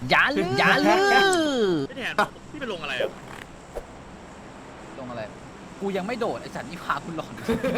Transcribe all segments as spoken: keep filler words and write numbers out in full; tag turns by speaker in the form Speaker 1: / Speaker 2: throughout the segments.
Speaker 1: อย่าลืมอย่าลืม
Speaker 2: พี่แทนพี่ไปลงอะไรอ่ะ
Speaker 1: ลงอะไรกูยังไม่โดดไอ้สัตว์นี่พาคุณหลอน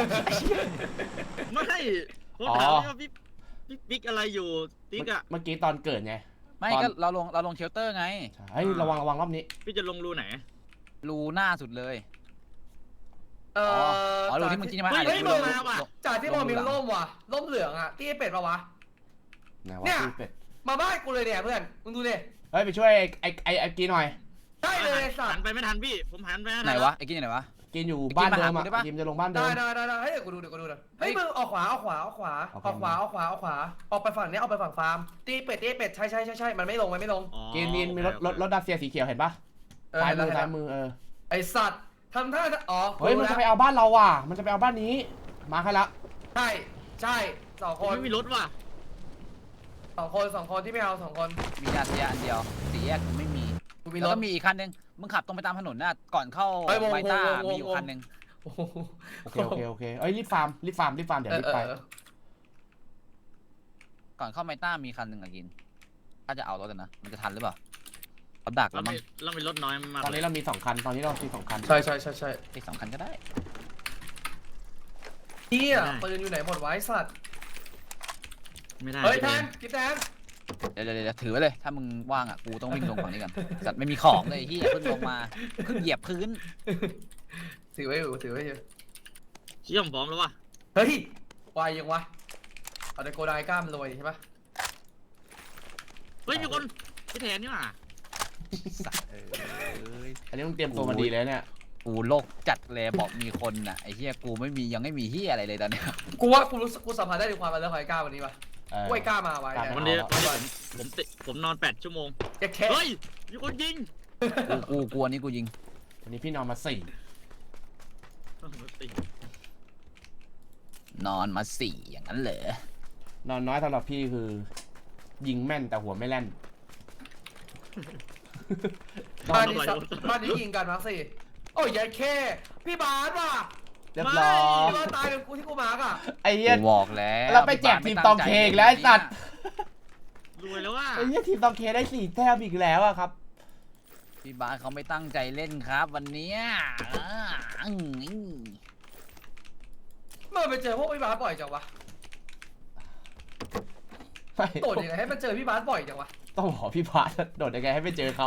Speaker 2: ไม่ผมถามว่าพี่พี่ปิ๊กอะไรอยู่ติ๊กอ่ะ
Speaker 3: เมื่อกี้ตอนเกิดไง
Speaker 1: ไม่ก็เราลงเราลงเชลเตอร์ไง
Speaker 3: ใช่ระวังระวังรอบนี้
Speaker 2: พี่จะลงรูไหน
Speaker 1: รูหน้าสุดเลย
Speaker 4: เออ
Speaker 1: อ๋อรูที่มึงกินมา
Speaker 2: เฮ้ย
Speaker 1: อ่ะ
Speaker 2: เฮ้ย
Speaker 1: รู
Speaker 2: มาว่ะ
Speaker 4: จากที่บอกมีร่มว่ะร่มเหลืองอ่ะที่ไอ้เป็ดปะวะ
Speaker 3: ไหน
Speaker 4: เนี่
Speaker 3: วะ
Speaker 4: ย
Speaker 3: พี่เป็ด
Speaker 4: มาบ้านกูเลยเนี่ยเพื่อนมึงดูดิ
Speaker 3: เฮ้ยไปช่วยไอ้ไอ้ไอ้กินหน่อย
Speaker 4: ใช่เลยสั
Speaker 2: หั
Speaker 4: ต
Speaker 2: น
Speaker 4: ว์
Speaker 2: ไปไม่ทันพี่ผมหันไปม่ทั
Speaker 1: ไหนวะไอ้กินอยู่ไหนวะ
Speaker 3: กินอยู่บ้านเดิมอ่ะ
Speaker 1: ไอ้กินมาหากูได้ปะ
Speaker 3: กินจะลงบ้านเดิ
Speaker 4: ได้
Speaker 3: ม
Speaker 4: ได้ได้ได้เฮ้ยเดี๋ยวกูดูเดี๋ยวกูดูเดี๋ยว
Speaker 1: เฮ้
Speaker 4: เฮ้
Speaker 1: ย
Speaker 4: ยมึงออกขวาออกขวาออกขวา
Speaker 3: โอเค
Speaker 4: ออกขวาออกขวาออกขวาออกไปฝั่งนี้ออกไปฝั่งฟาร์มตีเป็ดตีเป็ดใช่ใช่ใช่ใช่มันไม่ลงมันไม่ลง
Speaker 2: อ๋อ
Speaker 3: กินกินมีรถรถรถดัสเซียสีเขียวเห็นปะ
Speaker 4: เออ
Speaker 3: ซ้ายมือ
Speaker 4: เห็นแล้ว
Speaker 3: ซ้ายมือเออ
Speaker 4: ไอสัตว์ทำท่าอ๋อ
Speaker 3: เฮ้ยมันจะไปเอาบ้านเราว่ะมันจะไปเอาบ้านนี้มาให้ละ
Speaker 4: ใช่ใช่สอง
Speaker 2: ผ
Speaker 4: ค
Speaker 2: ม
Speaker 4: น
Speaker 2: ไม่มีรถว่ะ
Speaker 4: สองคนสองคนที่ไม่เอาสองคน
Speaker 1: มียาเสียอันเดียวสี่แยกกูไม่มี
Speaker 4: กูมี
Speaker 1: แล้
Speaker 4: ร
Speaker 1: ว
Speaker 4: ถ
Speaker 1: ก็มีอีกคันนึงมึงขับตรงไปตามถนนน่ะก่อนเข้า
Speaker 4: เฮ้ยวง
Speaker 1: ไมต้าว
Speaker 4: งวงวง
Speaker 1: มีอยู่คันนึง
Speaker 4: โอ้โห
Speaker 3: โอเคโอเคโอเคเอ้ยรีบฟาร์มรีบฟาร์มรีบฟาร์มเดี๋ยว
Speaker 4: เออ
Speaker 3: รีบ
Speaker 4: เออ
Speaker 3: ไป
Speaker 4: เออ
Speaker 1: ก่อนเข้าไมต้ามีคันหนึ่งอะกิน ถ้าจะเอารถอะนะ มันจะทันหรือเปล่าเขาดัก
Speaker 2: เรา
Speaker 1: แล้วมั้
Speaker 2: มี
Speaker 1: ง
Speaker 2: เรามีรถน้อยมาก
Speaker 3: ตอนนี้เรามีสองคันตอนนี้เรามีสองคัน
Speaker 4: ใช่ใช่ใช่ใช่
Speaker 1: อีกสองคันก็ได้
Speaker 4: เฮียปืนอยู่ไหนหมดวะไอ้สัตว์
Speaker 2: ไม่ได้
Speaker 4: เฮ้ยแทนกินแทน
Speaker 1: เดี๋ยวเดี๋ยวเดี๋ยวถือไว้เลย ถ้ามึงว่างอ่ะ กูต้องวิ่งลงฝั่งนี้กันสัตว์ไม่มีของเลยที่เพิ่งลงมา เพิ่งเหยียบพื้น
Speaker 4: ถือไว้อยู่ถือไว้อยู่
Speaker 2: เชื่อมพร้อมแล้วว่ะ
Speaker 4: เฮ้ยไวยังวะเอาแต่โกไดกล้ามรวยใช่ปะ
Speaker 2: เฮ้ยมีคนพี่แทนนี่หว่า
Speaker 1: สัตว์เอ้ย
Speaker 3: อันนี้ต้องเตรียมตัวมาดีเลยเนี่ย
Speaker 1: กูโลกจัดเลยบอกมีคนน่ะไอ้เหี้ยกูไม่มียังไม่มีเหี้ยอะไรเลยตอนเนี้ย
Speaker 4: กูว่ากูรู้สึกกูสัมผัสได้ถึงความเป็นเรื่องของไอ้กล้าวันนี้ปะ
Speaker 3: เออ
Speaker 4: กูไอ้กล้ามาไว้
Speaker 3: กล้า
Speaker 4: เนี่ย
Speaker 2: วันนี้วันนี้ผมผมติผมนอนแปดชั่วโมง
Speaker 4: จะแค่
Speaker 2: เฮ้ยมีคนยิง
Speaker 1: กูกูกลัวนี่กูยิง
Speaker 3: วันนี้พี่นอนมาสี่
Speaker 1: นอนมาสี่อย่างนั้นเหรอน
Speaker 3: อนน้อยสำหรับพี่คือ ยิงแม่นแต่หัวไม่แล่น
Speaker 4: บ้านนี้สัตว์บ้านนี้ยิงกันมาสิโอ้ยยัยแค่พี่บาสว่ะ
Speaker 3: เรียบร้อย
Speaker 4: พี่บาสตายเป็นกูที่กูมาร์กอ่ะ
Speaker 3: ไอ้เหี้ย
Speaker 1: กูบอกแล้ว
Speaker 3: เราไปแจกทีมตองเคอีกแล้วไอ้สัตว์
Speaker 2: รวยแล้วว่า
Speaker 3: ไอ้เหี้ยทีมตองเคได้สี่แต้มอีกแล้วอะครับ
Speaker 1: พี่บาสเขาไม่ตั้งใจเล่นครับ วันเนี้ยอ่าอืม
Speaker 4: เมื่อไปเจอพวกพี่บาสบ่อยจังวะ
Speaker 3: ไม่
Speaker 4: โดดยังไงให้มันเจอพี่บาสบ่อยจังวะ
Speaker 3: ต้องบอกพี่พาสโดดยังไงให้ไปเจอเขา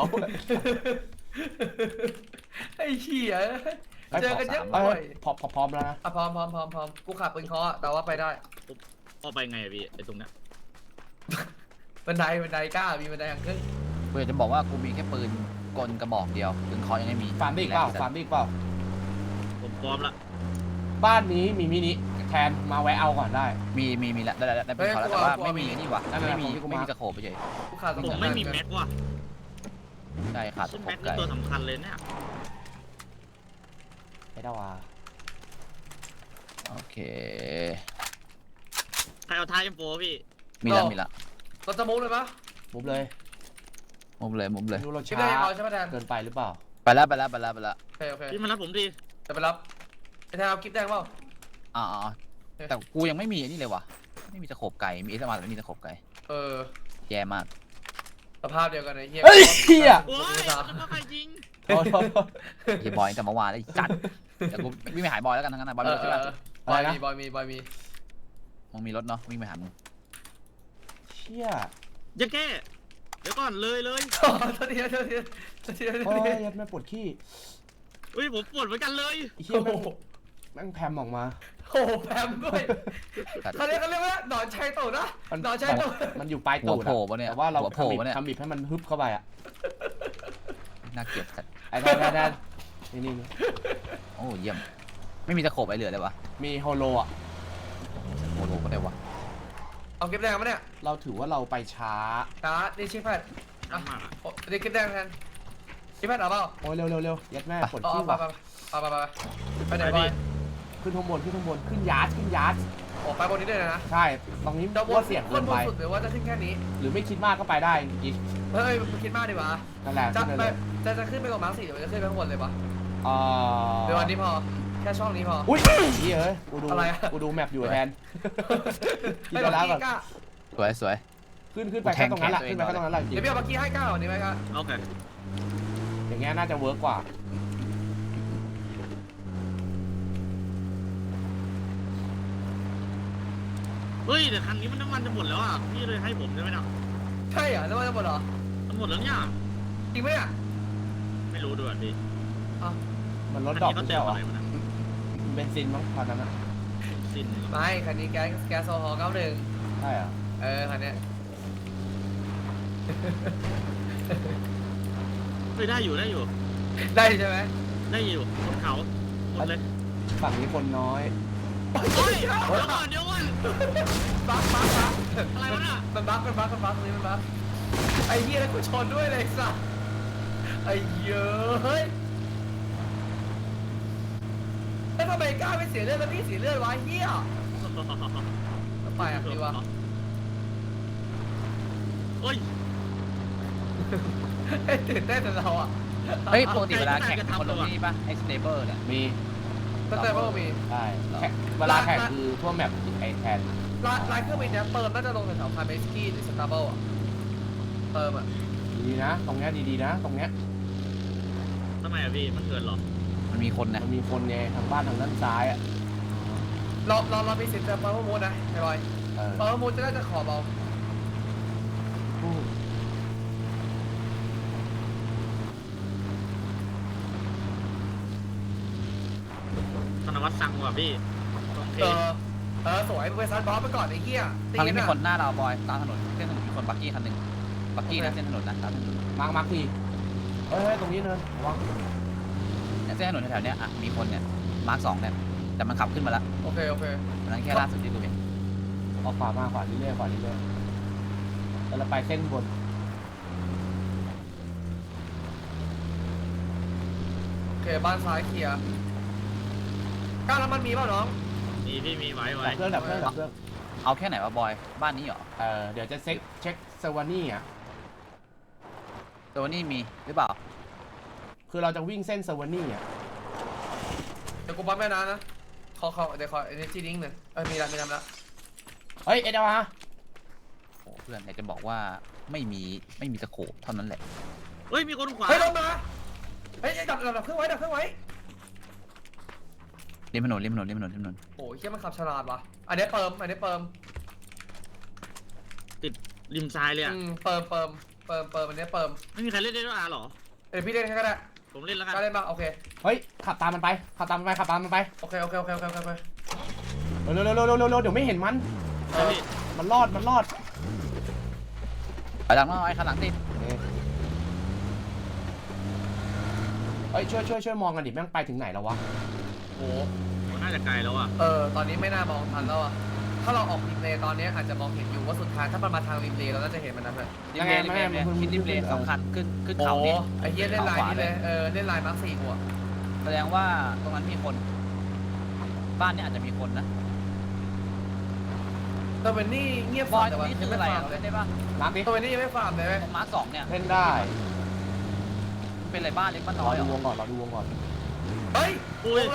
Speaker 4: ไอ้เหี้ยเจอกันเยอะ
Speaker 3: เอ้
Speaker 4: บ่อย
Speaker 3: ยพร้อมพร้อมแล้วนะ
Speaker 4: อ่ะพร้อมพร้อมพร้อมพร้อมกูขับปืนเคาะแต่ว่าไปได้
Speaker 2: เอาไปไงอะพี่ไอ้ตรงเนี้ย
Speaker 4: บันไดบันไดกล้ามีบันไดอย่างขึ้น
Speaker 1: กูอยากจะบอกว่ากูมีแค่ปืนกลกระบอกเดียวปืนคอยังไม่มี
Speaker 3: ฟาร์มบิ๊กเปล่าฟาร์มบิ๊กเปล่า
Speaker 2: ผมพร้อมละ
Speaker 3: บ้านนี้มีมินิแทนมาแวะเอาก่อนได้
Speaker 1: มีมีมีแล้วได้ได้ได้ปืนคอแล้วแต่ว่าไม่มีนี่หว่า
Speaker 3: นั่นแหละ
Speaker 1: ไม่มี
Speaker 3: ของที่กู
Speaker 1: ไม่
Speaker 3: มา
Speaker 1: มีตะโขบไปเฉย
Speaker 4: กูขาดส
Speaker 2: ผม
Speaker 4: อง
Speaker 2: ไม่มีแม็กว่ะ
Speaker 1: ใช่ขาดตะ
Speaker 2: ซึ่ง
Speaker 1: โข
Speaker 2: แม็
Speaker 1: บ
Speaker 2: กนี่
Speaker 1: ไก่
Speaker 2: ตัวสำคัญเลยเนี่ย
Speaker 3: ไม่ได้ว่า
Speaker 1: โอเค
Speaker 2: ใครเอาท้ายเอ็มโฟพี่
Speaker 1: มีแล้วมีแล้ว
Speaker 4: เราจะมุกเลยปะ
Speaker 3: มุบเลย
Speaker 1: มุมเลยมุมเลย
Speaker 3: ดูเรา
Speaker 4: ชิป
Speaker 3: ช้า
Speaker 4: ได้ยังเอาใช่ไหมแทน
Speaker 3: เกินไปหรือเปล่า
Speaker 1: ไปแล้วไปแล้วไปแล้วไปแล้ว
Speaker 4: โอเคโอเค
Speaker 2: พี่มารับผมดิ
Speaker 4: จะไปรับไอ้แทนเอากิ๊บแดงเปล่า
Speaker 1: อ๋อแต่กูยังไม่มีอันนี้เลยว่ะไม่มีตะโขบไก่มีเอสมาแต่ไม่มีตะโขบไก่
Speaker 4: เออ
Speaker 1: แย่มาก
Speaker 4: สภาพเดียวกันไอ้เหี้ย
Speaker 3: เฮ้ยเหี้ย
Speaker 2: โอ้ยจะมาใครยิง
Speaker 3: โทษโทษโทษ
Speaker 1: เฮียบอยแต่เมื่อวานแล้วจัดเดี๋ยวกูวิ่งไปหาบอยแล้วกันทั้งนั้นนะบอย
Speaker 4: เอ
Speaker 1: มี
Speaker 4: อ
Speaker 1: รถ
Speaker 4: เอ
Speaker 1: ใช่ปะ
Speaker 4: อบอยมีบอยมีบอยมี
Speaker 1: มึงมีรถเนาะวิ่งไปหามึง
Speaker 3: เชี่ย
Speaker 2: อย่าแก้เดี๋ยวก่อนเลยเลย
Speaker 4: โอ้โทษทีโทษทีโทษทีโทษ
Speaker 3: โอ้ย
Speaker 4: ที
Speaker 3: ยัดแม่ปวดขี้
Speaker 2: อุ้ยผมปวดเหมือนกันเลย
Speaker 3: ไอ้เชี่ยแม่งแม่งแพมออกมา
Speaker 4: โอ้โหแพมด้วยเขาเรียกเขาเรียกว่าหนอนชัยโตนะ
Speaker 3: มัน
Speaker 4: หนอนชัยโต
Speaker 3: มันอยู่ปลาย
Speaker 1: หั
Speaker 3: ตู
Speaker 1: ว
Speaker 3: ด
Speaker 1: โผล่
Speaker 3: อะ
Speaker 1: ปะเนี่ย
Speaker 3: แต่ว่าเรา
Speaker 1: หัวโผล่
Speaker 3: ทำบิด
Speaker 1: ปะเนี่ย
Speaker 3: ทำบิดให้มันฮึบเข้าไปอะ
Speaker 1: น่าเกลียดจัด
Speaker 3: ไอ้แทนแทนแทนนี่นี่นี่
Speaker 1: โอ้เยี่ยมไม่มีตะโขบไอเหลือเลยวะ
Speaker 3: มีโฮโลอะ
Speaker 1: โอ้โหก็ได้วะ
Speaker 4: เอากิ๊บแดงมาเนี่ย
Speaker 3: เราถือว่าเราไปช้า
Speaker 4: นะนี่ชิปแพด
Speaker 2: น้ำมากอะ
Speaker 4: โอ้นี่กิ๊บแดงแทนชิปแพดเอาเปล่า
Speaker 3: โอ้ยเร็วเร็วเร็วยัดแม่ปวด
Speaker 4: เอา
Speaker 3: ขี้
Speaker 4: ไป
Speaker 3: ว่ะ
Speaker 4: ไปไปไปไปไหนบอย
Speaker 3: ขึ้นข้างบนขึ้นข้างบนขึ้นยาร์ดขึ้นยาร์ด
Speaker 4: โอ้ไปบนนี้ด้วยนะ
Speaker 3: ใช่ ตรงนี้
Speaker 4: จะบน
Speaker 3: ว่าเสี่ยง
Speaker 4: บ
Speaker 3: เกิ
Speaker 4: น
Speaker 3: น
Speaker 4: บ
Speaker 3: ไป
Speaker 4: นสุดหรือว่าจะขึ้นแค่นี้
Speaker 3: หรือไม่คิดมากก็ไปได้จริง
Speaker 4: เฮ้ยมึงคิดมากดีวะ
Speaker 3: ๆนั่นแหละ
Speaker 4: จะ
Speaker 3: ขึ้น
Speaker 4: ไป
Speaker 3: เลย
Speaker 4: จะจะขึ้นไปกว่ามาร์คสี่หรือจะขึ้นไปข้างบนเลยปะ
Speaker 3: เอ่อ
Speaker 4: เดี๋ยววันนี้พอแค่ช่องนี้พอ
Speaker 3: อุ้ยนี่เอ้ยกูดู
Speaker 4: อะไรอะ
Speaker 3: กูดูแมปอยู่แทน คิด
Speaker 4: ไอ้
Speaker 3: ไปแล้ว
Speaker 4: บัก
Speaker 3: ก่อน
Speaker 4: กี้กล้า
Speaker 1: สวยสวย
Speaker 3: ขึ้นขึ้นไปแค่ตรงนั้นแหละขึ้นไปแค่ตรงนั้นแหละจริง
Speaker 4: เดี๋ยวพี่เอาเมื่อกี้ให้ก้าววันนี้ไหมครับ
Speaker 2: โอเค
Speaker 3: อย่างเงี้ยน่าจะเวิร์กกว่า
Speaker 2: เฮ้ยแต่คันนี้มันน้ำมันจะหมดแล้วอ่ะพี่เลยให้ผมได้ไหมนะ
Speaker 4: ใช่เหรอแล้วมันจะหมดเหรอ
Speaker 2: มันหมดแล้วเนี่ย
Speaker 4: จริงไหมอ่ะ
Speaker 2: ไม่รู้ด้วยพี่
Speaker 3: มันลด
Speaker 2: คัน
Speaker 3: ดอก
Speaker 2: นี้
Speaker 3: ไม่
Speaker 2: เขาเติ
Speaker 3: ใช่
Speaker 2: ม
Speaker 3: เหรอ
Speaker 2: อะไรมานะ
Speaker 3: เบนซินมั้งตอนนั้นอะ
Speaker 2: สิ้นเหรอ
Speaker 4: ไม่คันนี้แก๊สแก๊สโซฮอล์เก้าหนึ่ง
Speaker 3: ใช่เหรอ
Speaker 4: เออคันเนี้ย
Speaker 2: เฮ้ยได้อยู่ได้อยู่
Speaker 4: ได้ใช่ไหม
Speaker 2: ได้อยู่บนเขาหมดเลย
Speaker 3: ฝั่งนี้คนน้อย
Speaker 2: เฮ้ยเดี๋ยวก่อนเดี๋ยวก่อน
Speaker 4: บักบักบัก
Speaker 2: อะไรวะน่ะ
Speaker 4: มันบักมันบักมันบักตรงนี้มันบักไอ้เหี้ยแล้วกูชนด้วยเลยสัสไอ้เหี้ยเฮ้ยแล้วทำไมกล้าไม่เสียเลือดแล้วพี่เสียเลือดวะไอ้เหี้ยไปอ่ะดีวะ
Speaker 2: เฮ้ย
Speaker 4: ตื่นเต้นแต่เราอ่ะ
Speaker 1: เฮ้ยปกติเวลาแข่งคนลงนี่ป่ะไอ้สเตเบอร์เนี่ย
Speaker 3: มี
Speaker 4: ก็เต้นว่ามี
Speaker 3: ใช่แข่งเวลาแข่งคือทั่วแมปไอแทน
Speaker 4: ลายลายเครื่องบินเนี้ยเปิมน่าจะลงแถวๆคาเมสกี้หรือสตาร์เบิลอ่ะเปิมอ่ะ
Speaker 3: ดีนะ ตรงเนี้ยดีๆนะ ตรงเนี้ย
Speaker 2: ทำไมอ่ะพี่มันเกินเหรอ
Speaker 1: มันมีคนนะ
Speaker 3: มันมีคนในทางบ้านทางด้านซ้ายอ่ะ
Speaker 4: เราเราเรามีสิทธิ์จะเปิมมูดนะไอ้บอย
Speaker 3: เออ
Speaker 4: เปิมมูดจะน่าจะขอเบา
Speaker 2: ธนวัฒน์สั่งว่ะพี่โอเค
Speaker 4: เออเออสวยมึงไปซัดบอสไปก่อนไอ้เหี้ย
Speaker 1: ทางนี้มี
Speaker 4: ะ
Speaker 1: คนหน้าเราบอยตามถนนเส้นถนนมีคนบักกี้คันหนึ่งบักกี้นะเส้นถนนนะตามถนน
Speaker 3: มาร์กมาร์กทีเฮ้ยเฮ้ยตรงนี้เนินระวัง
Speaker 1: เนี่ยเส้นถนนแถวๆเนี้ยอ่ะมีคนเนี่ยมาร์คสองเนี่ยแต่มันขับขึ้นมาแล้ว
Speaker 4: โอเคโอเค
Speaker 1: อันนั้นแค่ล่าสุดที่กูเห็น
Speaker 3: เอาขวามาขวาเรื่อยๆขวาเรื่อยๆแล้วเราไปเส้นบน
Speaker 4: โอเคบ้านซ้ายเคลียร์ก้าวแล้วมันมีเปล่าน้อง
Speaker 2: มีพี่มีไว้ไว้
Speaker 3: ดับเครื่องดับเครื่องดับเครื่อง
Speaker 1: เอาแค่ไหนวะบอยบ้านนี้เหรอ
Speaker 3: เออเดี๋ยวจะเช็คเช็คเซอร์วานี่อ่ะ
Speaker 1: ตัวนี้มีหรือเปล่า
Speaker 3: คือเราจะวิ่งเส้นเซอร์วานี่อ่ะ
Speaker 4: เดี๋ยวกูปั๊มแม่น้ำนะขอขอเดี๋ยวขอเอเนจีดิ้งหนึ่งเออมีแล้วมีแล้วแล้ว
Speaker 3: เฮ้ยเอ็ดเอาฮะ
Speaker 1: โอ้เพื่อนอยากจะบอกว่าไม่มีไม่มีตะโขบเท่านั้นแหละ
Speaker 2: เฮ้ยมีคนขวา
Speaker 4: เฮ้ยลงมาเฮ้ยดับดับดับเครื่องไว้ดับเครื่องไว้
Speaker 1: ริมถนนริมถนนริมถนนริมถนน
Speaker 4: โอ้ยเฮียมันขับฉลาดว่ะอันนี้เปิมอันนี้เปิม
Speaker 2: ติดริมซ้ายเลยอ่ะ
Speaker 4: อืมเปิมเปิมเปิมเปิมอันนี้เปิม
Speaker 2: ไม่มีใครเล่นได้ด้วยอ่ะหรอ
Speaker 4: เดี๋ยวพี่เล่นแค่ก็ได้
Speaker 2: ผมเล่นแล้วกัน
Speaker 4: ก็เล่นมาโอเค
Speaker 3: เฮ้ยขับตามมันไปขับตามมันไปขับตามมันไป
Speaker 4: โอเคโอเคโอเคโอเคโอเค
Speaker 3: เร็วเร็วเร็วเร็วเร็วเร็วเดี๋ยวไม่เห็นมัน
Speaker 2: เออพี่
Speaker 3: มันรอดมันรอด
Speaker 1: ไปหลังมาไอ้ข้างหลังติด
Speaker 3: เฮ้ยช่วยช่วยช่วยมองกันดิแม่งไปถึงไหนแล้ววะ
Speaker 4: โอ้
Speaker 2: มันน่าจะไกลแล้วอ่ะ
Speaker 4: เออตอนนี้ไม่น่ามองทันแล้วอ่ะถ้าเราออกริมเลย์ตอนนี้อาจจะมองเห็นอยู่ว่าสุดท้ายถ้ามันมาทางริมเลย์เราน่าจะเห็นมันนะเพื่อน
Speaker 1: ริมเลนริมเลนเนี่ยคิดริมเลนสองคันขึ้นขึ้นเขา
Speaker 4: โอ้
Speaker 1: นี่
Speaker 4: ไอ้เหี้ยเล่นลายนี้เลยเออเล่นลายมาร์คสี่กูอ่ะ
Speaker 1: แสดงว่าตรงนั้นมีคน บ้านเนี้อาจจะมีคนนะ
Speaker 4: แต่เป็นนี่เงียบบ
Speaker 1: อยต
Speaker 4: แต่
Speaker 1: รง
Speaker 4: ว่า
Speaker 1: นี้คื
Speaker 4: ยัง
Speaker 1: อ
Speaker 4: ไม่
Speaker 1: อะไร
Speaker 4: ฟา
Speaker 1: อ่ะ
Speaker 4: ร์มเลย
Speaker 1: เล่นได้ปะ
Speaker 3: น้ำดิ
Speaker 4: ตัวนี้ยังไม่ฟาร์มเลยไหม
Speaker 1: ตรงมาร์คสองเนี่ย
Speaker 3: เล่นได้
Speaker 1: มันเป็นอะไรบ้านเล็กบ้าน
Speaker 3: ร
Speaker 1: น้
Speaker 3: อ
Speaker 1: อยเหร
Speaker 3: ดูว
Speaker 1: อง
Speaker 3: ก่อนรอดูวงก่อน
Speaker 4: เฮ้ย
Speaker 2: อุ้
Speaker 4: ข
Speaker 2: ย
Speaker 4: องเรา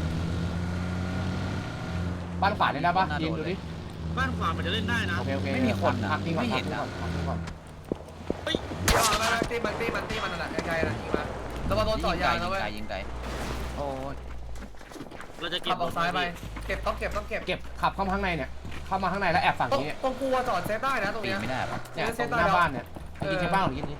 Speaker 3: บ้านขวาเล่นได้ปะยิงดูดิ
Speaker 2: บ้านขวามันจะเล่นได้นะ
Speaker 3: โอเคโอเค
Speaker 1: ไม่มีคนอ่ะ
Speaker 3: พักทิ้งก่อน
Speaker 1: ไม่
Speaker 3: พัก
Speaker 1: เห็น
Speaker 3: ทิ้ง
Speaker 1: อ่ะ
Speaker 3: ก่อนพักทิ้งก่อน
Speaker 4: เอามาตีมันตีมันตีมันนั่นแหละไกลๆนะยิงมาแล้วมาโดนต่อยางนะเว้ย
Speaker 1: ยิงไกลยิงไกลโอ้ย
Speaker 2: เราจะเก็
Speaker 4: ขั
Speaker 2: บบ
Speaker 4: ออกซ้ายไปเก็บต้องเก็บต้องเก็บ
Speaker 3: เก็บขับเข้ามาข้างในเนี่ยเข้ามาข้างในแล้วแอบฝั่ง
Speaker 4: ตรง
Speaker 3: นี้
Speaker 4: ตรงกูจอดเซฟได้นะตรง
Speaker 1: ปี
Speaker 4: เนี้ย
Speaker 1: ไม่ได้ปะ
Speaker 3: เนี่ย
Speaker 4: เซ
Speaker 3: ตร
Speaker 4: ฟ
Speaker 3: ง
Speaker 4: ได้
Speaker 3: หน้า
Speaker 4: แล้ว
Speaker 3: บ้านเนี่ยยิงเช็คบ้านหรือยิงนี้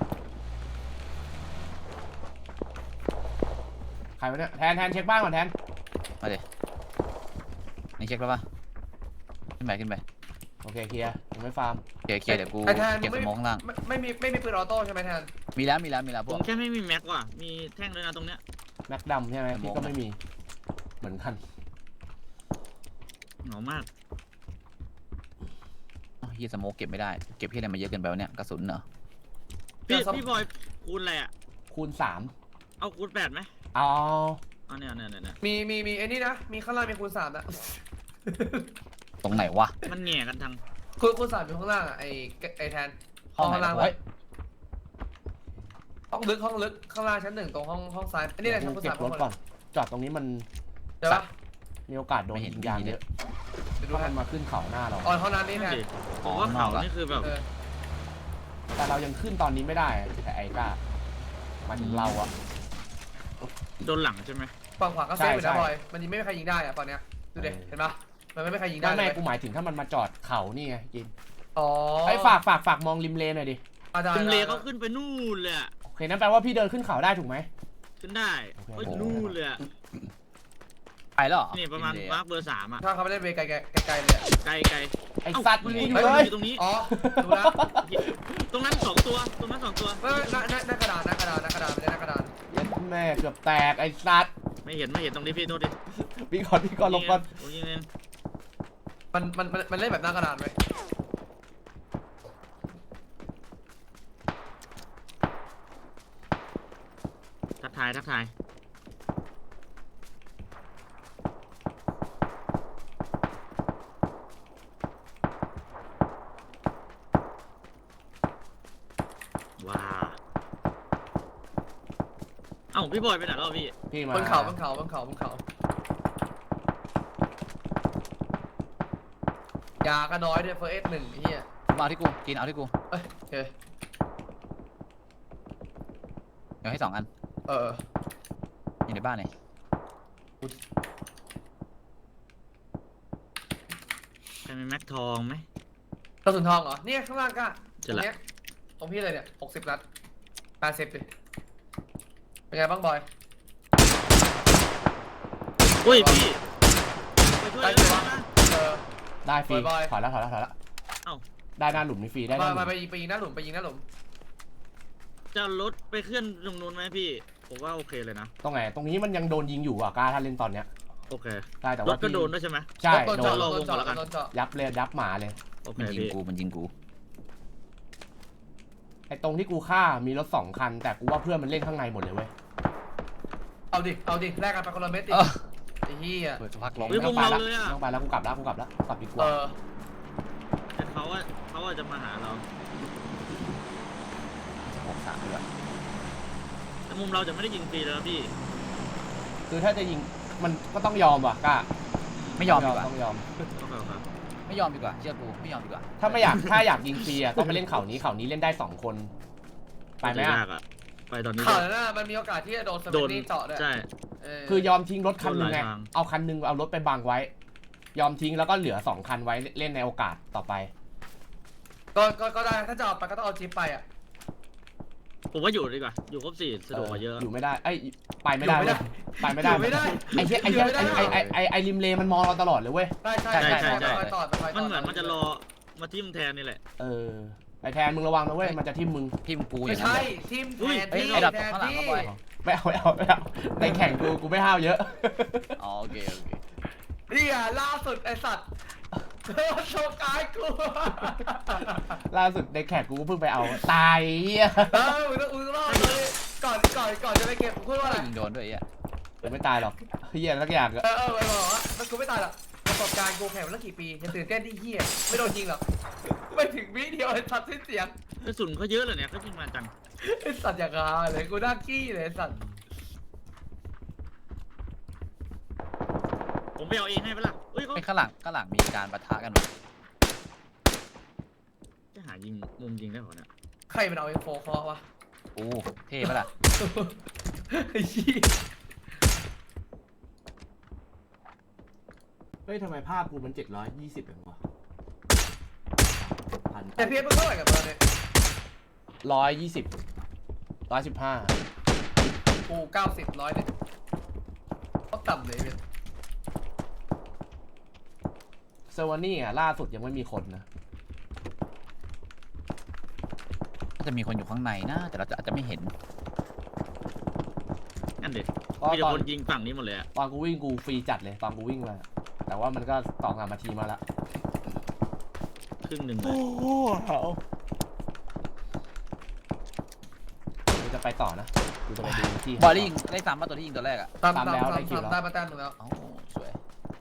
Speaker 3: ใครวะเนี่ยแทนแทนเช็คบ้านก่อนแทน
Speaker 1: มาดินี่เช็คแล้วปะขึ้นไปขึ้นไป
Speaker 3: โอเคเคลียร์ยังไม่ฟาร์ม
Speaker 1: เคลียร์เคลียร์เดี๋ยวกู
Speaker 4: ไอ้แทน
Speaker 1: เก็บสมองล่าง
Speaker 4: ไม่ไม่มีไม่มีปืนออโต้ใช่ไหมแทน
Speaker 1: มีแล้วมีแล้วมีแล้วพ
Speaker 2: ผ
Speaker 1: วก
Speaker 2: มแค่ไม่มีแม็กว่ะมีแท่งด้วยนะตรงเนี้ย
Speaker 3: แม็กดำใช่ไหมพี่ก็ไม่มีเหมือนกัน
Speaker 2: เหงามาก
Speaker 1: อ้าวเฮียสโมกเก็บไม่ได้เก็บเฮียอะไรมาเยอะเกินไปวะเนี่ยกระสุนเหรอ
Speaker 2: พี่พี่บอยคูณอะไรอ่ะ
Speaker 3: คูณสาม
Speaker 2: เอาคูณแปดไหม
Speaker 3: เอา
Speaker 2: เอาเนี่ยเนี่ยเนี่ย
Speaker 4: มีมีมีไอ้นี่นะมีข้างล่างมีคูณสามนะ
Speaker 1: ตรงไหนวะ
Speaker 2: มันแง่กันทาง
Speaker 4: คูณคูณสามอยู่ข้างล่างอ่ะไอ้ไอ้แทน
Speaker 1: ห้องไหน
Speaker 4: ข้างล่าง
Speaker 1: วะ
Speaker 4: เลยห้องลึกห้องลึกข้างล่างชั้นหนึ่งตรงห้องห้องซ้ายอันนี้แหละชั้นคูณ
Speaker 3: เก็
Speaker 4: สา
Speaker 3: บ
Speaker 4: ม
Speaker 3: รถก่อนจอดตรงนี้มัน
Speaker 4: เดี๋ยวปะ
Speaker 3: มีโอกาสโดนยิงยางเยอะ
Speaker 4: เดี๋ยวดู
Speaker 3: เพราะ
Speaker 4: แท
Speaker 3: มัน นมาขึ้นเขาหน้าเรา
Speaker 4: อ๋อห้องน้ำนี่แทน
Speaker 2: ผมว่าเขานี่คือแบบ
Speaker 4: เออ
Speaker 3: แต่เรายังขึ้นตอนนี้ไม่ได้แต่ไอ้ก้าหมายถึงเราอะ
Speaker 2: โดนหลังใช่ไหม
Speaker 4: ฝั่งขวาก็เซฟอยู่
Speaker 3: ใช่
Speaker 4: นะ
Speaker 3: ใช่
Speaker 4: บอยมันยิงไม่มีใครยิงได้อะตอนเนี้ยดูดิเห็นปะมันไม่มีใครยิงได้
Speaker 3: ไม่
Speaker 4: เล
Speaker 3: ไม่
Speaker 4: ย
Speaker 3: กูหมายถึงถ้ามันมาจอดเขานี่ไงกิน
Speaker 4: อ๋อ
Speaker 3: ไอ้ฝากฝากฝากมองริมเลนหน่อยดิ
Speaker 4: อาจาร
Speaker 2: คุ
Speaker 4: ย์
Speaker 2: ณเลเขาขึ้นไปนู่นเลยอะ
Speaker 3: โอเคนั่นแปลว่าพี่เดินขึ้นเขาได้ถูกไหม
Speaker 2: ขึ้นได้
Speaker 3: โอเค
Speaker 2: เฮ้ยนู่นเลยอะ
Speaker 1: ไปแล้วเหรอ
Speaker 2: นี่ประมาณมาร์คเบอร์สามอะ
Speaker 4: ถ้าเขาไม่เล่นเวไกลๆไกลๆเลยอะ
Speaker 2: ไกลไกล
Speaker 3: ไอ้สัตว์
Speaker 2: มัน
Speaker 3: กู
Speaker 2: มี
Speaker 3: อยู่
Speaker 2: มัน
Speaker 3: เลย
Speaker 2: อยู่ตรงนี้
Speaker 4: อ๋อดูนะ
Speaker 2: ตรงนั้นสองตัวตรงนั้นสองตัว
Speaker 4: ไม่ไม่หน้าหน้าหน้ากระดานหน้ากระดานหน้ากระดานไม่ได้หน้ากระดาน
Speaker 3: แม่เกือบแตกไอ้สัตว์
Speaker 2: ไม่เห็นไม่เห็นตรงนี้พี่โทษดิ
Speaker 3: พี่ก่อนพี่ก่อนลงก่อน
Speaker 2: ตรงนี้เอง
Speaker 4: มันมันมันมันเล่นแบบหน้ากระดานไหม
Speaker 2: ทักทายทักทายว้าเอ้าพี่บอยไปไหนแล้วพี่
Speaker 3: พี่มา
Speaker 4: บนเขาบนเขาบนเขาบนเขายาก็น้อยด้วยเฟอร์เอสหนึ่งไอ้เหี้ย
Speaker 1: มาเอาที่กูกินเอาที่กู
Speaker 4: เอ้ยโอเค
Speaker 1: เดี๋ยวให้สองอัน
Speaker 4: เออ
Speaker 1: อยู่ในบ้านเลย
Speaker 2: ใครมีแม็กทองไหม
Speaker 4: กระสุนทองเหรอเนี่ยข้างล่างก็
Speaker 2: เจ
Speaker 4: ตร
Speaker 2: อง ละ
Speaker 4: เนี้ยตรงพี่เลยเนี่ยหกสิบนัดแปดสิบดิเป็นไงบ้างบอย
Speaker 2: อุ้ยพี่ไปช่วย
Speaker 4: ได้
Speaker 2: เลย
Speaker 4: ไหมวะ
Speaker 2: นะ
Speaker 4: เออ
Speaker 3: ได้ฟรี
Speaker 4: บอย
Speaker 3: ถอยแล้วถอยแล้วถอยแล้ว
Speaker 2: เอ้า
Speaker 3: ได้หน้าหลุมนี่ฟรีได้ห
Speaker 4: มา
Speaker 3: น้าหลุ
Speaker 4: มาม ไปยิงไปยิงหน้าหลุมไปยิงหน้าหลุม
Speaker 2: จะรถไปเคลื่อนตรงนู้นไหมพี่ ผมว่าโอเคเลยนะ
Speaker 3: ตรงไหนตรงนี้มันยังโดนยิงอยู่อ่ะกล้าถ้าเล่นตอนเนี้ย
Speaker 2: โอเค
Speaker 3: ได้แต่
Speaker 2: ร
Speaker 3: ว่า
Speaker 2: ถก็
Speaker 3: พี่
Speaker 2: โดนด้วยใช่ไหม
Speaker 3: ใช่
Speaker 4: โดน
Speaker 3: โด
Speaker 4: เจาะ
Speaker 3: น
Speaker 4: โดนเจาะ
Speaker 2: ลงก่อนแล้วกัน
Speaker 4: โดนเจาะ
Speaker 3: ยับเลยยับหมาเลย
Speaker 2: โอเค
Speaker 1: มันยิง
Speaker 2: พี่
Speaker 1: กูมันยิงกู
Speaker 3: ไอ้ตรงที่กูฆ่ามีรถสองคัน แต่กูว่าเพื่อนมันเล่นข้างในหมดเลยเว้ย
Speaker 4: เอาดิเอาดิแลกกันไปคนละเม็ดดิ
Speaker 1: เออ
Speaker 4: ไอ้เหี้ย
Speaker 1: เปิดสักพักลง
Speaker 2: เฮ้ย
Speaker 3: ไม่
Speaker 2: ว
Speaker 3: ต้อง
Speaker 2: ง
Speaker 3: ไป
Speaker 2: เรา
Speaker 3: ละ
Speaker 2: เลยอะ
Speaker 3: ไม่ต้องไปแล้วกูกลับแล้วกูกลับแล้วกลับดีก
Speaker 4: เอ
Speaker 3: ว่า
Speaker 4: อ
Speaker 2: แต่เขาว่าเขาว่าจะมาหาเรา
Speaker 1: หกสามด้วย
Speaker 2: แต่มุมเราจะไม่ได้ยิงฟรีแล้วนะพี่
Speaker 3: คือถ้าจะยิงมันก็ต้องยอมว่ะกล้า
Speaker 1: ไม่ยอมดีกว่า
Speaker 3: ต้องยอม
Speaker 2: โอเคครับ
Speaker 1: ไม่ยอมดีกว่าเชื่อกูไม่ยอมดีกว่า
Speaker 3: ถ้าไม่อยากถ้าอยากยิงฟรีอ่ะต้องไปเล่นเขานี้เขานี้เล่นได้สองคน ไปไหม
Speaker 2: จะ
Speaker 3: อ่ะ
Speaker 2: ยากอะไปตอนนี้
Speaker 4: ข่าว
Speaker 2: เลย
Speaker 4: นั้นน่ะมันมีโอกาสที่จะโดนส
Speaker 2: โด
Speaker 4: เปน
Speaker 2: น
Speaker 4: นี่เจาะด้วย
Speaker 2: ใช่
Speaker 4: เออ
Speaker 3: คือยอมทิ้งรถคันหนึงไง
Speaker 2: โดนหลายทาง
Speaker 3: เอาคันหนึงเอารถไปบังไว้ ยอมทิ้งแล้วก็เหลือสองคันไว้เล่นในโอกาสต่อไป
Speaker 4: ก็ก็ก็ได้ถ้าจะเอาไปก็ต้องเอาจิ๊บไปอ่ะ
Speaker 2: ผมว่าอยู่ดีกว่า อยู่ครบสี่สะดวกกว่าเยอะ
Speaker 3: อยู่ไม่ได้ไอ้ยไปไม่ได้
Speaker 4: อยู่ไม่
Speaker 3: เว้
Speaker 4: ได้
Speaker 3: ยไปไม่ได้
Speaker 4: อยู่ไม่ได้
Speaker 3: ไอ้เหี้ยไอ้เหี้ย
Speaker 4: อยู่ไม่ได้
Speaker 3: ไอ้ไอ้ไอ้ไอ้ไอ้ริมเลมันมองเราตลอดเลยเว้ย
Speaker 4: ใช่ใช่
Speaker 1: ใช่
Speaker 4: ใช่
Speaker 1: ใช่
Speaker 4: ใช่
Speaker 1: ใช่
Speaker 4: ไปต่อไปต่อ
Speaker 2: มันเหมือนมันจะรอมาทิ่มแทนนี่แหละ
Speaker 3: เออไอ้แทนมึงระวังนะเว้ยมันจะทิ่มมึง
Speaker 1: ทีมกูอ
Speaker 4: ไม่
Speaker 1: ย่างนั้น
Speaker 4: ใช่
Speaker 1: เลย
Speaker 4: ทีมแท
Speaker 2: อุ้ย
Speaker 4: น
Speaker 1: เฮ้ย
Speaker 4: ที่
Speaker 1: ไอ้ดับ
Speaker 4: แทน
Speaker 1: ข้างหลัง
Speaker 4: ที่
Speaker 1: มาบ่อย
Speaker 3: ไม่เอาไม่เอาไม่เอาในแข่งกูกูไม่ห้าวเยอะ
Speaker 1: อ๋อโอเคโอเค
Speaker 4: นี่อ่ะล่าสุดไอสัตว์โชว์กายกู
Speaker 3: ล่าสุดในแข่งกูเพิ่งไปเอาตายเหี้ย
Speaker 4: เออมึงต้องมึงต้องรอดเลยก่อนก่อนก่อนจะไปเก็บพูดว่าอะไร
Speaker 1: ยิงโดนด้วยไอ้เหี้ย
Speaker 3: กูไม่ตายหรอกเหี้ยสักอย่างอะ
Speaker 4: เออเออไปบอกว่ามันกูไม่ตายหรอกประสบการณ์กูแข่งมาตั้งกี่ปียังตื่นเต้นที่เหี้ยไม่โดนยิงหรอกไม่ถึงวิเดียวไอ้สัตว์สิ้นเสียง
Speaker 2: กระสุนเขาเยอะเลยเนี่ยเขายิงมาจัง
Speaker 4: ไอ้สัตว์อย่างาเลยกูน่าขี้เลยไอ้สัตว์
Speaker 2: ผมไปเอาเองให้ปะล่ะเอ้ยเขา
Speaker 1: ไอ้ข้างหลังข้างหลังมีการปะทะกันว่ะ
Speaker 2: จะหายิงมุมยิงได้เหรอเนี่ย
Speaker 4: ใครมันเอาไอ้โฟคอวะ
Speaker 1: โอ้เท่ปะล่ะ
Speaker 4: ไอ้ชี้ย
Speaker 3: เฮ้ยทำไมภาพกูมันเจ็ดร้อยยี่สิบเองวะพัน
Speaker 4: แต่เพียรมันเท่าไหร่กับเราเนี่ย
Speaker 3: ร้อยยี่สิบร้อยสิบห้า
Speaker 4: กูเก้าสิบร้อยเนี่ยเขาต่ำเลยเนี่ย
Speaker 3: เซอร์วานี่อ่ะล่าสุดยังไม่มีคนนะ
Speaker 1: น่าจะมีคนอยู่ข้างในนะแต่เราจะอาจจะไม่เห็น
Speaker 2: นั่นเด็ก
Speaker 3: ก็
Speaker 2: มีแต่
Speaker 3: ตอน
Speaker 2: คนยิงฝั่งนี้หมดเลยอะ
Speaker 3: ตอนกูวิ่งกูฟรีจัดเลยตอนกูวิ่งมาแต่ว่ามันก็สองสามนาทีมาแล้ว
Speaker 2: ครึ่งหนึ่งเลย
Speaker 3: กูจะไปต่อนะกูจะไปดูที่
Speaker 1: บอยได้ยิงได้ซ้ำป่ะตัวที่ยิงตัวแรกอ่ะ
Speaker 4: ตาม
Speaker 3: ตา
Speaker 4: ตาม ม
Speaker 3: แล้ว
Speaker 4: ตาม
Speaker 3: ได้คิวแล้ว
Speaker 4: ตามมาแต้มหนึ่งแล้ว
Speaker 1: เอ้าสวย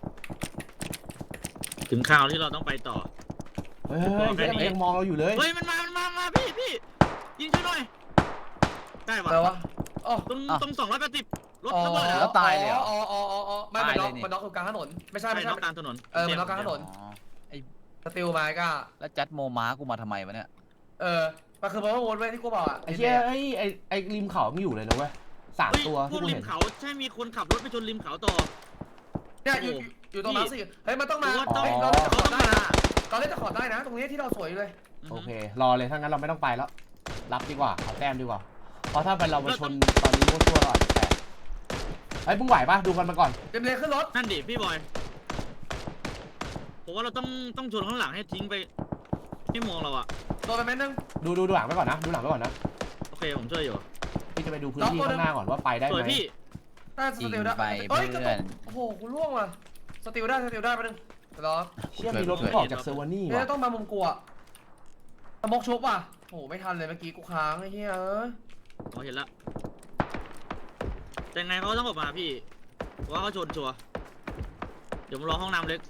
Speaker 2: ถึงข่าวที่เราต้องไปต่อ
Speaker 3: เฮ้ยเฮ้ยเฮ้ยมันยังมองเราอยู่เลย
Speaker 2: เฮ้ยมันมามันมามาพี่พี่ยิงช่วยหน่อยได้ปะ
Speaker 4: แต่ว่าอ๋อ
Speaker 2: ตรงตรงสองร้อยแปดสิบรถ
Speaker 4: อ๋อ
Speaker 2: ระเบิด
Speaker 1: แล้วตายเลยเหรอ
Speaker 4: อ๋ออ๋ออ๋ออ๋อไม่มันน็อก
Speaker 1: ตายเลยนี่
Speaker 4: มันน็อกตรงกลางถนนไม่ใช่
Speaker 2: ใช่
Speaker 4: ไม่ใช่
Speaker 2: นอกกลางถนน
Speaker 4: เออมันน็อกกลางถนน
Speaker 1: อ๋อ
Speaker 4: สติลมาก็
Speaker 1: แล้วจัดโมม้ากูมาทำไมวะเนี่ย
Speaker 4: เออไปมันคือเพราะว่าวนไว้ที่กูบอกอ่ะ
Speaker 3: ไอ้เชี่ยไอ้ไอ้ไอ้ริมเขาไม่อยู่เลยนะเว้ยสาม
Speaker 2: เฮ้ย
Speaker 3: ตัว
Speaker 2: พว
Speaker 3: ที่
Speaker 2: ก
Speaker 3: กู
Speaker 2: ริ
Speaker 3: เห็
Speaker 2: ม
Speaker 3: น
Speaker 2: เขาใช่มีคนขับรถไปชนริมเขาต่อ
Speaker 4: เนี่ยอยู่อยู่ตรงนั้นสิเฮ้ยมันต้องมา
Speaker 2: ว่าต้อง
Speaker 4: เฮ้ยเราเล่นจะขอได้
Speaker 2: ต้อง
Speaker 4: นะ
Speaker 2: มา
Speaker 4: เราเล่นจะขอได้นะ ตรงนี้ที่เราสวยอยู่เลย
Speaker 3: โอเครอเลยถ้างั้นเราไม่ต้องไปแล้วรับดีกว่าเอาแต้มดีกว่าเพราะถ้าไปเรามาชนตอนนี้มั่วซั่วเราอาจจะแตกไอ้ยมึงไหวปะดูกันมาก่อน
Speaker 4: เต็มเลยขึ้นรถ
Speaker 2: นั่นดิพี่บอยผมว่าเราต้องต้องชนข้างหลังให้ทิ้งไปไม่มองเราอะ
Speaker 4: โดนไปเม็ดนึง
Speaker 3: ดูดูดูหลังไปก่อนนะดูหลังไปก่อนนะ
Speaker 2: โอเคผมช่วยอยู่
Speaker 3: พี่จะไปดูพื้นที่ข้างหน้าก่อนว่าไปได้
Speaker 2: สวย
Speaker 3: ไหม
Speaker 2: พี่
Speaker 4: น่าส
Speaker 1: จริง
Speaker 4: ติลได้
Speaker 1: ไป
Speaker 4: เฮ้ย
Speaker 1: เพื่
Speaker 4: กระ
Speaker 1: อ
Speaker 4: ตุ
Speaker 1: น
Speaker 4: กโอ้โหกูล่วงว่ะสติลได้สติลได้ไปนึงรอ
Speaker 3: เชี่ยมีรถออกจากเซอร์วานี่
Speaker 4: เนี่
Speaker 3: ว่ะ
Speaker 4: ยต้องมามุมกูอ่ะสมกชุบว่ะโอ้โหไม่ทันเลยเมื่อกี้กูค้างไอ้เหี้ยเอ้ย
Speaker 2: ผมเห็นละแต่ไงเขาต้องออกมาพี่ว่าเขาชนชัวร์เดี๋ยวผมรอห้องน้ำเล็ก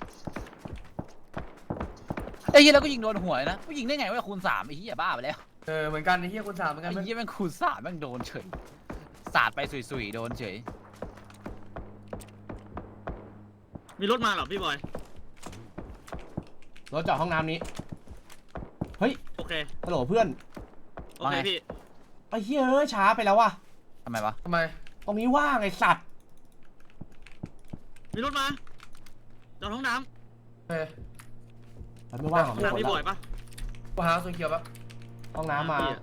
Speaker 1: ไอ้เหี้ยแล้วก็ยิงโดนหัวเลยนะกูยิงได้ไงวะคูณสามไอ้เหี้ยบ้าไปแล้ว
Speaker 4: เออเหมือนกันไอ้เหี้ยคุณสามเหมือนกั
Speaker 1: ไอ้
Speaker 4: น
Speaker 1: เหี้ยแม่งคูณสามแม่งโดนเฉยสาดไปสุยๆโดนเฉย
Speaker 2: มีรถมาเหรอพี่บอย
Speaker 3: รถจอดห้องน้ำนี้เฮ้ย
Speaker 2: โอเค
Speaker 3: ฮัลโหลเพื่อน
Speaker 2: โอเคพี่
Speaker 3: ไอ้เหี้ยเอ้ยช้าไปแล้วว่ะ
Speaker 1: ทำไมวะ
Speaker 4: ทำไม
Speaker 3: ตรงนี้ว่างไอ้สัตว์
Speaker 2: มีรถมาจอดห้องน้
Speaker 4: เออ
Speaker 3: มันไม่ว่าง
Speaker 2: ำ
Speaker 3: หร
Speaker 2: ห้
Speaker 3: อ
Speaker 2: องน้ำพี่บอย
Speaker 3: ก
Speaker 2: ปะ
Speaker 4: กูหาส่วนเขียวปะ
Speaker 3: ห้องน้ำมา
Speaker 2: พี่อะ